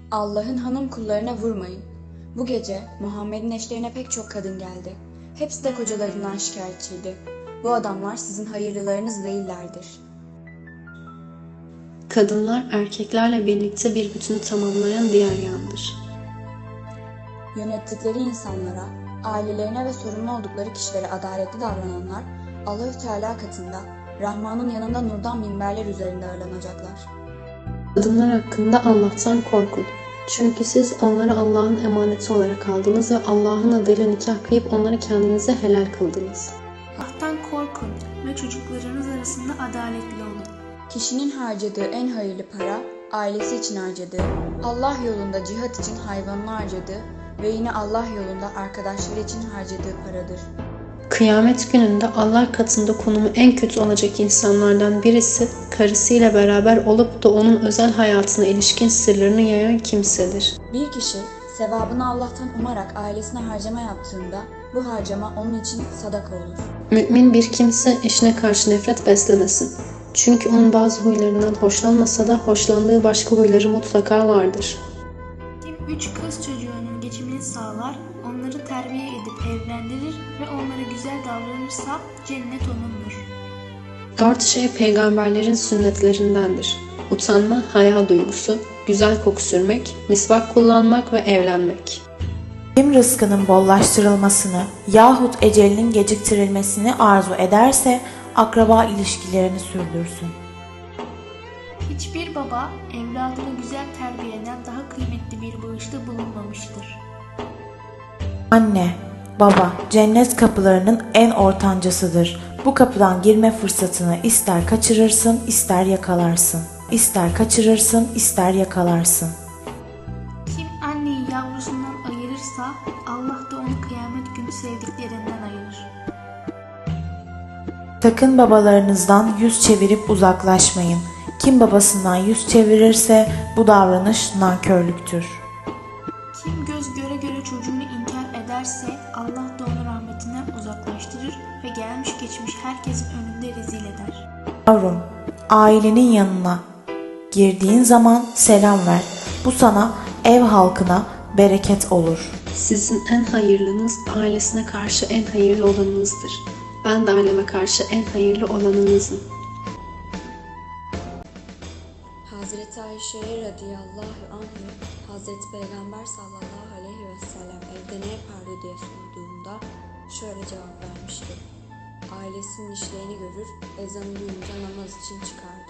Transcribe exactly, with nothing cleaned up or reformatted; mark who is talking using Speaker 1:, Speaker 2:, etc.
Speaker 1: Allah'ın hanım kullarına vurmayın. Bu gece Muhammed'in eşlerine pek çok kadın geldi. Hepsi de kocalarından şikayetçiydi. Bu adamlar sizin hayırlılarınız değillerdir.
Speaker 2: Kadınlar erkeklerle birlikte bir bütünü tamamlayan diğer yandır.
Speaker 1: Yönettikleri insanlara, ailelerine ve sorumlu oldukları kişilere adaletli davrananlar, Allahü Teala katında, Rahman'ın yanında nurdan minberler üzerinde ağırlanacaklar.
Speaker 2: Kadınlar hakkında Allah'tan korkun. Çünkü siz onları Allah'ın emaneti olarak aldınız ve Allah'ın adıyla nikah kıyıp onları kendinize helal kıldınız.
Speaker 3: Allah'tan korkun ve çocuklarınız arasında adaletli olun.
Speaker 1: Kişinin harcadığı en hayırlı para, ailesi için harcadığı, Allah yolunda cihat için hayvanını harcadığı ve yine Allah yolunda arkadaşları için harcadığı paradır.
Speaker 2: Kıyamet gününde Allah katında konumu en kötü olacak insanlardan birisi, karısıyla beraber olup da onun özel hayatına ilişkin sırlarını yayan kimsedir.
Speaker 1: Bir kişi sevabını Allah'tan umarak ailesine harcama yaptığında bu harcama onun için sadaka olur.
Speaker 2: Mümin bir kimse eşine karşı nefret beslemesin. Çünkü onun bazı huylarından hoşlanmasa da hoşlandığı başka huyları mutlaka vardır.
Speaker 3: Kim üç kız çocuğunun geçimini sağlar, onları terbiye edip evlendirir ve onlara güzel davranırsa cennet onundur.
Speaker 2: Dört şey peygamberlerin sünnetlerindendir. Utanma, haya duygusu, güzel koku sürmek, misvak kullanmak ve evlenmek.
Speaker 4: Kim rızkının bollaştırılmasını yahut ecelinin geciktirilmesini arzu ederse akraba ilişkilerini sürdürsün.
Speaker 3: Hiçbir baba evladını güzel terbiyeden daha kıymetli bir bağışta bulunmamıştır.
Speaker 4: Anne, baba cennet kapılarının en ortancasıdır. Bu kapıdan girme fırsatını ister kaçırırsın, ister yakalarsın. İster kaçırırsın, ister yakalarsın.
Speaker 3: Kim anneyi yavrusundan ayırırsa Allah da onu kıyamet günü sevdiklerinden ayırır.
Speaker 4: Sakın babalarınızdan yüz çevirip uzaklaşmayın. Kim babasından yüz çevirirse bu davranış nankörlüktür.
Speaker 3: Kim göz göre göre çocuğunu inkar ederse Allah da onu rahmetinden uzaklaştırır ve gelmiş geçmiş herkesin önünde rezil eder.
Speaker 4: Yavrum, ailenin yanına girdiğin zaman selam ver. Bu sana, ev halkına bereket olur.
Speaker 2: Sizin en hayırlınız ailesine karşı en hayırlı olanınızdır. Ben de aileme karşı en hayırlı olanınızım.
Speaker 1: Hazreti Ayşe'ye radıyallahu anh'ı Hazreti Peygamber sallallahu aleyhi ve sellem evde ne yapardı diye sorduğumda şöyle cevap vermişti. Ailesinin işlerini görür, ezanı duyunca namaz için çıkardı.